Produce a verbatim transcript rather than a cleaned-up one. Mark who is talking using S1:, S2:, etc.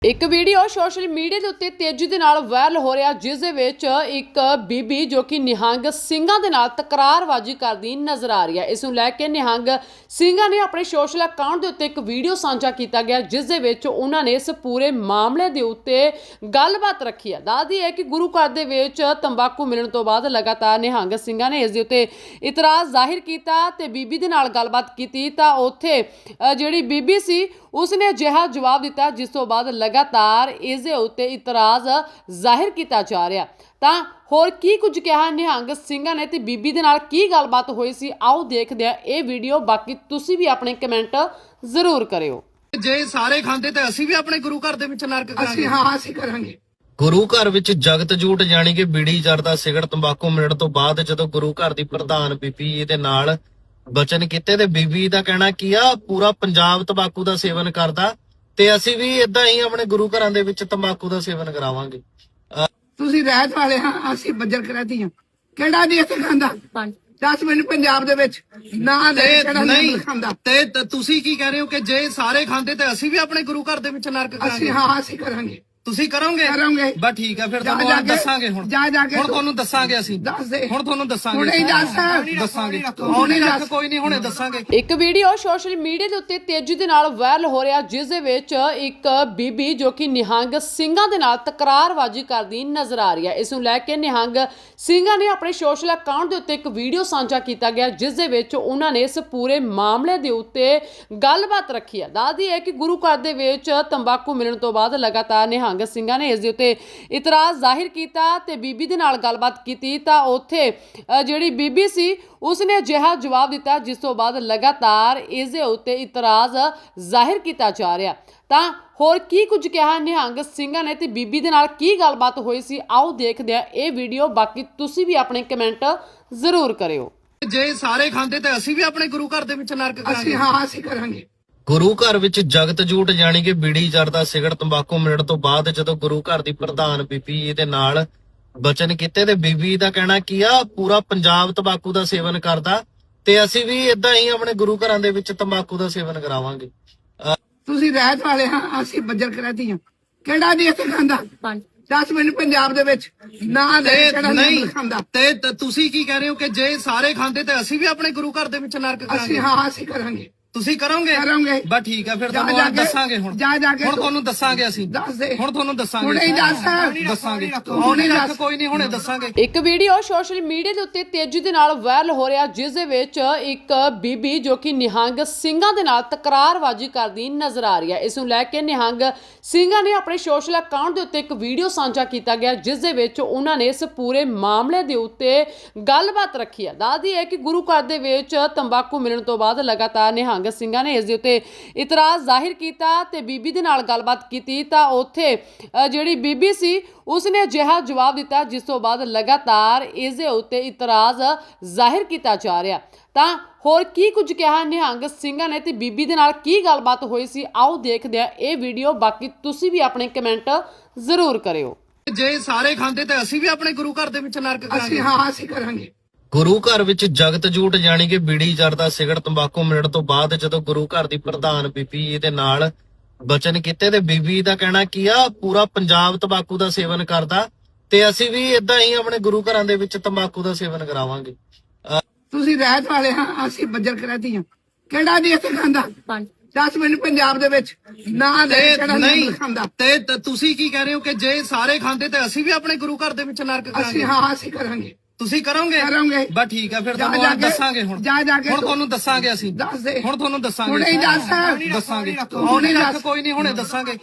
S1: ਇੱਕ video social media ਦੇ ਉੱਤੇ ਤੇਜ਼ੀ ਦੇ ਨਾਲ ਵਾਇਰਲ ਹੋ ਰਿਹਾ, ਜਿਸ ਦੇ ਵਿੱਚ ਇੱਕ ਬੀਬੀ ਜੋ ਕਿ ਨਿਹੰਗ ਸਿੰਘਾਂ ਦੇ ਨਾਲ ਤਕਰਾਰਬਾਜ਼ੀ ਕਰਦੀ ਨਜ਼ਰ ਆ ਰਹੀ ਹੈ। ਇਸ ਨੂੰ ਲੈ ਕੇ ਨਿਹੰਗ ਸਿੰਘਾਂ ਨੇ ਆਪਣੇ ਸੋਸ਼ਲ ਅਕਾਊਂਟ ਦੇ ਉੱਤੇ ਇੱਕ ਵੀਡੀਓ ਸਾਂਝਾ ਕੀਤਾ ਗਿਆ, ਜਿਸ ਦੇ ਵਿੱਚ ਉਹਨਾਂ ਨੇ ਇਸ ਪੂਰੇ ਮਾਮਲੇ ਦੇ ਉੱਤੇ ਗੱਲਬਾਤ ਰੱਖੀ ਹੈ। ਦੱਸਦੀ ਹੈ ਕਿ ਗੁਰੂ ਘਰ ਦੇ ਵਿੱਚ ਤੰਬਾਕੂ ਮਿਲਣ ਤੋਂ ਬਾਅਦ ਲਗਾਤਾਰ ਨਿਹੰਗ ਸਿੰਘਾਂ ਨੇ ਇਸ ਦੇ ਉੱਤੇ ਇਤਰਾਜ਼ ਜ਼ਾਹਿਰ ਕੀਤਾ ਤੇ ਬੀਬੀ ਦੇ ਨਾਲ ਗੱਲਬਾਤ ਕੀਤੀ ਤਾਂ ਉੱਥੇ ਜਿਹੜੀ ਬੀਬੀ ਸੀ ਉਸਨੇ ਅਜਿਹਾ ਜਵਾਬ ਦਿੱਤਾ, ਜਿਸ ਤੋਂ ਬਾਅਦ ਲਗਾਤਾਰ ਇਸ ਦੇ ਉੱਤੇ ਇਤਰਾਜ਼ ਜ਼ਾਹਿਰ ਕੀਤਾ ਜਾ ਰਿਹਾ। ਤਾਂ ਹੋਰ ਕੀ ਕੁਝ ਕਿਹਾ ਨਿਹੰਗ ਸਿੰਘਾਂ ਨੇ ਤੇ ਬੀਬੀ ਦੇ ਨਾਲ ਕੀ ਗੱਲਬਾਤ ਹੋਈ ਸੀ, ਆਓ ਦੇਖਦੇ ਹਾਂ ਇਹ ਵੀਡੀਓ। ਬਾਕੀ ਤੁਸੀਂ ਵੀ ਆਪਣੇ ਕਮੈਂਟ ਜ਼ਰੂਰ ਕਰਿਓ।
S2: ਜੇ ਸਾਰੇ ਖਾਂਦੇ ਤੇ ਅਸੀਂ ਵੀ ਆਪਣੇ ਗੁਰੂ ਘਰ ਦੇ ਵਿੱਚ ਨਰਕ ਕਰਾਂਗੇ।
S3: ਹਾਂ ਅਸੀਂ ਕਰਾਂਗੇ।
S2: ਗੁਰੂ ਘਰ ਵਿੱਚ ਜਗਤ ਜੂਟ ਜਾਨੀ ਕਿ ਬੀੜੀ ਜਰਦਾ ਸਿਗਰਟ ਤੰਬਾਕੂ ਮਿਲਣ ਤੋਂ ਬਾਅਦ ਜਦੋਂ ਗੁਰੂ ਘਰ ਦੀ ਪ੍ਰਧਾਨ ਬੀਬੀ ਇਹਦੇ ਨਾਲ ਬਚਨ ਕੀਤੇ ਤੇ ਬੀਬੀ ਦਾ ਕਹਿਣਾ ਕੀ ਆ, ਪੂਰਾ ਪੰਜਾਬ ਤੰਬਾਕੂ ਦਾ ਸੇਵਨ ਕਰਦਾ ਤੇ ਅਸੀਂ ਵੀ ਇਦਾਂ ਹੀ ਆਪਣੇ ਗੁਰੂ ਘਰਾਂ ਦੇ ਵਿੱਚ ਤੰਬਾਕੂ ਦਾ ਸੇਵਨ ਕਰਾਵਾਂਗੇ।
S3: ਤੁਸੀਂ ਰਹਿਤ ਵਾਲੇ ਹਾਂ, ਅਸੀਂ ਬੱਜਰ ਕਰਾਤੀ ਹਾਂ। ਕਿਹੜਾ ਨਹੀਂ ਇੱਥੇ ਖਾਂਦਾ? ਦਸ ਮਿੰਟ ਪੰਜਾਬ ਦੇ ਵਿੱਚ ਨਾ ਦੇ ਕਿਹੜਾ ਨਹੀਂ ਖਾਂਦਾ।
S2: ਤੇ ਤੁਸੀਂ ਕੀ ਕਹਿ ਰਹੇ ਹੋ ਕਿ ਜੇ ਸਾਰੇ ਖਾਂਦੇ ਤੇ ਅਸੀਂ ਵੀ ਆਪਣੇ ਗੁਰੂ ਘਰ ਦੇ ਵਿੱਚ ਨਰਕ ਕਰਾਂਗੇ?
S3: ਅਸੀਂ ਹਾਂ ਅਸੀਂ ਕਰਾਂਗੇ।
S2: ਤੁਸੀਂ ਕਰੋਗੇ?
S3: ਕਰਾਂਗੇ।
S2: ਬਸ ਠੀਕ ਹੈ, ਫਿਰ ਤੁਹਾਨੂੰ ਦੱਸਾਂਗੇ। ਹੁਣ
S3: ਜਾ ਜਾ ਕੇ
S2: ਹੁਣ ਤੁਹਾਨੂੰ ਦੱਸਾਂਗੇ। ਅਸੀਂ
S3: ਦੱਸ ਦੇ।
S2: ਹੁਣ ਤੁਹਾਨੂੰ ਦੱਸਾਂਗੇ।
S3: ਹੁਣੇ ਹੀ ਦੱਸ।
S2: ਦੱਸਾਂਗੇ। ਹੁਣੇ ਦੱਸ। ਕੋਈ ਨਹੀਂ, ਹੁਣੇ ਦੱਸਾਂਗੇ।
S1: ਇੱਕ ਵੀਡੀਓ ਸੋਸ਼ਲ ਮੀਡੀਆ ਦੇ ਉੱਤੇ ਤੇਜ਼ੀ ਦੇ ਨਾਲ ਵਾਇਰਲ ਹੋ ਰਿਹਾ, ਜਿਸ ਦੇ ਵਿੱਚ ਇੱਕ ਬੀਬੀ ਜੋ ਕਿ ਨਿਹੰਗ ਸਿੰਘਾਂ ਦੇ ਨਾਲ ਤਕਰਾਰਬਾਜ਼ੀ ਕਰਦੀ ਨਜ਼ਰ ਆ ਰਹੀ ਹੈ। ਇਸ ਨੂੰ ਲੈ ਕੇ ਨਿਹੰਗ ਸਿੰਘਾਂ ਨੇ ਆਪਣੇ ਸੋਸ਼ਲ ਅਕਾਊਂਟ ਦੇ ਉੱਤੇ ਇੱਕ ਵੀਡੀਓ ਸਾਂਝਾ ਕੀਤਾ ਗਿਆ, ਜਿਸ ਦੇ ਵਿੱਚ ਉਹਨਾਂ ਨੇ ਇਸ ਪੂਰੇ ਮਾਮਲੇ ਦੇ ਉੱਤੇ ਗੱਲਬਾਤ ਰੱਖੀ ਹੈ। ਦੱਸਦੀ ਹੈ ਕਿ ਗੁਰੂ ਘਰ ਦੇ ਵਿੱਚ ਤੰਬਾਕੂ ਮਿਲਣ ਤੋਂ ਬਾਅਦ ਲਗਾਤਾਰ ਨਿਹੰਗ ਸਿੰਘਾਂ ਨੇ ਇਸ ਦੇ ਉੱਤੇ ਇਤਰਾਜ਼ ਜ਼ਾਹਿਰ ਕੀਤਾ ਤੇ ਬੀਬੀ ਦੇ ਨਾਲ ਗੱਲਬਾਤ ਕੀਤੀ ਤਾਂ ਉੱਥੇ ਜਿਹੜੀ ਬੀਬੀ ਸੀ ਉਸਨੇ ਅਜਿਹਾ ਜਵਾਬ ਦਿੱਤਾ, ਜਿਸ ਤੋਂ ਬਾਅਦ ਲਗਾਤਾਰ ਇਸ ਦੇ ਉੱਤੇ ਇਤਰਾਜ਼ ਜ਼ਾਹਿਰ ਕੀਤਾ ਜਾ ਰਿਹਾ। ਤਾਂ ਹੋਰ ਕੀ ਕੁਝ ਕਿਹਾ ਨਿਹੰਗ ਸਿੰਘਾਂ ਨੇ ਤੇ ਬੀਬੀ ਦੇ ਨਾਲ ਕੀ ਗੱਲਬਾਤ ਹੋਈ ਸੀ, ਆਓ ਦੇਖਦੇ ਹਾਂ ਇਹ ਵੀਡੀਓ। ਬਾਕੀ ਤੁਸੀਂ ਵੀ ਆਪਣੇ ਕਮੈਂਟ ਜ਼ਰੂਰ ਕਰਿਓ।
S2: ਜੇ ਸਾਰੇ ਖਾਂਦੇ ਤੇ ਅਸੀਂ ਵੀ ਆਪਣੇ ਗੁਰੂ ਘਰ ਦੇ ਵਿੱਚ ਨਰਕ ਕਰਾਂਗੇ।
S3: ਅਸੀਂ ਹਾਂ ਅਸੀਂ ਕਰਾਂਗੇ।
S2: ਗੁਰੂ ਘਰ ਵਿੱਚ ਜਗਤ ਜੂਟ ਜਾਨੀ ਕਿ ਬੀੜੀ ਜਰਦਾ ਸਿਗਰਟ ਤੰਬਾਕੂ ਮਿਲਣ ਤੋਂ ਬਾਅਦ ਜਦੋਂ ਗੁਰੂ ਘਰ ਦੀ ਪ੍ਰਧਾਨ ਬੀਬੀ ਇਹਦੇ ਨਾਲ ਬਚਨ ਕੀਤੇ ਤੇ ਬੀਬੀ ਦਾ ਕਹਿਣਾ ਕੀ ਆ, ਪੂਰਾ ਪੰਜਾਬ ਤੰਬਾਕੂ ਦਾ ਸੇਵਨ ਕਰਦਾ ਤੇ ਅਸੀਂ ਵੀ ਇਦਾਂ ਹੀ ਆਪਣੇ ਗੁਰੂ ਘਰਾਂ ਦੇ ਵਿੱਚ ਤੰਬਾਕੂ ਦਾ ਸੇਵਨ ਕਰਾਵਾਂਗੇ।
S3: ਤੁਸੀਂ ਰਹਿਤ ਵਾਲੇ ਹਾਂ, ਅਸੀਂ ਬੱਜਰ ਕਰਾਤੀ ਹਾਂ। ਕਿਹੜਾ ਨਹੀਂ ਇੱਥੇ ਖਾਂਦਾ? ਦਸ ਮਿੰਟ ਪੰਜਾਬ ਦੇ ਵਿੱਚ ਨਾ ਦੇ ਕਿਹੜਾ ਨਹੀਂ ਖਾਂਦਾ।
S2: ਤੇ ਤੁਸੀਂ ਕੀ ਕਹਿ ਰਹੇ ਹੋ ਕਿ ਜੇ ਸਾਰੇ ਖਾਂਦੇ ਤੇ ਅਸੀਂ ਵੀ ਆਪਣੇ ਗੁਰੂ ਘਰ ਦੇ ਵਿੱਚ ਨਰਕ ਕਰਾਂਗੇ?
S3: ਅਸੀਂ ਹਾਂ ਅਸੀਂ ਕਰਾਂਗੇ।
S2: ਤੁਸੀਂ ਕਰੋਗੇ?
S3: ਕਰਾਂਗੇ।
S2: ਬਸ ਠੀਕ ਹੈ, ਫਿਰ ਤੁਹਾਨੂੰ ਦੱਸਾਂਗੇ। ਹੁਣ
S3: ਜਾ ਜਾ ਕੇ
S2: ਹੁਣ ਤੁਹਾਨੂੰ ਦੱਸਾਂਗੇ। ਅਸੀਂ
S3: ਦੱਸ ਦੇ।
S2: ਹੁਣ ਤੁਹਾਨੂੰ ਦੱਸਾਂਗੇ।
S3: ਹੁਣੇ ਹੀ ਦੱਸ।
S2: ਦੱਸਾਂਗੇ।
S3: ਹੁਣੇ ਦੱਸ।
S2: ਕੋਈ ਨਹੀਂ, ਹੁਣੇ ਦੱਸਾਂਗੇ।
S1: ਇੱਕ ਵੀਡੀਓ ਸੋਸ਼ਲ ਮੀਡੀਆ ਦੇ ਉੱਤੇ ਤੇਜ਼ੀ ਦੇ ਨਾਲ ਵਾਇਰਲ ਹੋ ਰਿਹਾ, ਜਿਸ ਦੇ ਵਿੱਚ ਇੱਕ ਬੀਬੀ ਜੋ ਕਿ ਨਿਹੰਗ ਸਿੰਘਾਂ ਦੇ ਨਾਲ ਤਕਰਾਰਬਾਜ਼ੀ ਕਰਦੀ ਨਜ਼ਰ ਆ ਰਹੀ ਹੈ। ਇਸ ਨੂੰ ਲੈ ਕੇ ਨਿਹੰਗ ਸਿੰਘਾਂ ਨੇ ਆਪਣੇ ਸੋਸ਼ਲ ਅਕਾਊਂਟ ਦੇ ਉੱਤੇ ਇੱਕ ਵੀਡੀਓ ਸਾਂਝਾ ਕੀਤਾ ਗਿਆ, ਜਿਸ ਦੇ ਵਿੱਚ ਉਹਨਾਂ ਨੇ ਇਸ ਪੂਰੇ ਮਾਮਲੇ ਦੇ ਉੱਤੇ ਗੱਲਬਾਤ ਰੱਖੀ ਹੈ। ਦੱਸਦੀ ਹੈ ਕਿ ਗੁਰੂ ਘਰ ਦੇ ਵਿੱਚ ਤੰਬਾਕੂ ਮਿਲਣ ਤੋਂ ਬਾਅਦ ਲਗਾਤਾਰ ਨਿਹੰਗ ਸਿੰਘਾਂ ਨੇ ਇਸ ਦੇ ਉੱਤੇ ਇਤਰਾਜ਼ ਜ਼ਾਹਿਰ ਕੀਤਾ ਤੇ ਬੀਬੀ ਦੇ ਨਾਲ ਗੱਲਬਾਤ ਕੀਤੀ ਤਾਂ ਉੱਥੇ ਜਿਹੜੀ ਬੀਬੀ ਸੀ ਉਸਨੇ ਅਜਿਹਾ ਜਵਾਬ ਦਿੱਤਾ, ਜਿਸ ਤੋਂ ਬਾਅਦ ਲਗਾਤਾਰ ਇਸ ਦੇ ਉੱਤੇ ਇਤਰਾਜ਼ ਜ਼ਾਹਿਰ ਕੀਤਾ ਜਾ ਰਿਹਾ। ਤਾਂ ਹੋਰ ਕੀ ਕੁਝ ਕਿਹਾ ਨਿਹੰਗ ਸਿੰਘਾਂ ਨੇ ਤੇ ਬੀਬੀ ਦੇ ਨਾਲ ਕੀ ਗੱਲਬਾਤ ਹੋਈ ਸੀ, ਆਓ ਦੇਖਦੇ ਹਾਂ ਇਹ ਵੀਡੀਓ। ਬਾਕੀ ਤੁਸੀਂ ਵੀ ਆਪਣੇ ਕਮੈਂਟ ਜ਼ਰੂਰ ਕਰਿਓ।
S2: ਜੇ ਸਾਰੇ ਖਾਂਦੇ ਤੇ ਅਸੀਂ ਵੀ ਆਪਣੇ ਗੁਰੂ ਘਰ ਦੇ ਵਿੱਚ ਨਰਕ ਕਰਾਂਗੇ।
S3: ਅਸੀਂ ਹਾਂ ਅਸੀਂ ਕਰਾਂਗੇ।
S2: ਗੁਰੂ ਘਰ ਵਿੱਚ ਜਗਤ ਜੂਟ ਜਾਨੀ ਕਿ ਬੀੜੀ ਜਰਦਾ ਸਿਗਰਟ ਤੰਬਾਕੂ ਮਿਲਣ ਤੋਂ ਬਾਅਦ ਜਦੋਂ ਗੁਰੂ ਘਰ ਦੀ ਪ੍ਰਧਾਨ ਬੀਬੀ ਇਹਦੇ ਨਾਲ ਬਚਨ ਕੀਤੇ ਤੇ ਬੀਬੀ ਦਾ ਕਹਿਣਾ ਕੀ ਆ, ਪੂਰਾ ਪੰਜਾਬ ਤੰਬਾਕੂ ਦਾ ਸੇਵਨ ਕਰਦਾ ਤੇ ਅਸੀਂ ਵੀ ਇਦਾਂ ਹੀ ਆਪਣੇ ਗੁਰੂ ਘਰਾਂ ਦੇ ਵਿੱਚ ਤੰਬਾਕੂ ਦਾ ਸੇਵਨ ਕਰਾਵਾਂਗੇ।
S3: ਤੁਸੀਂ ਰਹਿਤ ਵਾਲੇ ਹਾਂ, ਅਸੀਂ ਬੱਜਰ ਕਰਾਤੀ ਹਾਂ। ਕਿਹੜਾ ਨਹੀਂ ਇੱਥੇ ਖਾਂਦਾ? ਦਸ ਮਿੰਟ ਪੰਜਾਬ ਦੇ ਵਿੱਚ ਨਾ ਦੇ ਕਿਹੜਾ ਨਹੀਂ ਖਾਂਦਾ।
S2: ਤੇ ਤੁਸੀਂ ਕੀ ਕਹਿ ਰਹੇ ਹੋ ਕਿ ਜੇ ਸਾਰੇ ਖਾਂਦੇ ਤੇ ਅਸੀਂ ਵੀ ਆਪਣੇ ਗੁਰੂ ਘਰ ਦੇ ਵਿੱਚ ਨਰਕ ਕਰਾਂਗੇ?
S3: ਅਸੀਂ ਹਾਂ ਅਸੀਂ ਕਰਾਂਗੇ।
S2: ਤੁਸੀਂ ਕਰੋਗੇ?
S3: ਕਰਾਂਗੇ।
S2: ਬਸ ਠੀਕ ਹੈ, ਫਿਰ ਤੁਹਾਨੂੰ ਦੱਸਾਂਗੇ। ਹੁਣ
S3: ਜਾ ਜਾ ਕੇ
S2: ਹੁਣ ਤੁਹਾਨੂੰ ਦੱਸਾਂਗੇ। ਅਸੀਂ
S3: ਦੱਸ ਦੇ।
S2: ਹੁਣ ਤੁਹਾਨੂੰ ਦੱਸਾਂਗੇ।
S3: ਹੁਣੇ ਹੀ ਦੱਸ।
S2: ਦੱਸਾਂਗੇ।
S3: ਹੁਣੇ ਦੱਸ।
S2: ਕੋਈ ਨਹੀਂ, ਹੁਣੇ ਦੱਸਾਂਗੇ।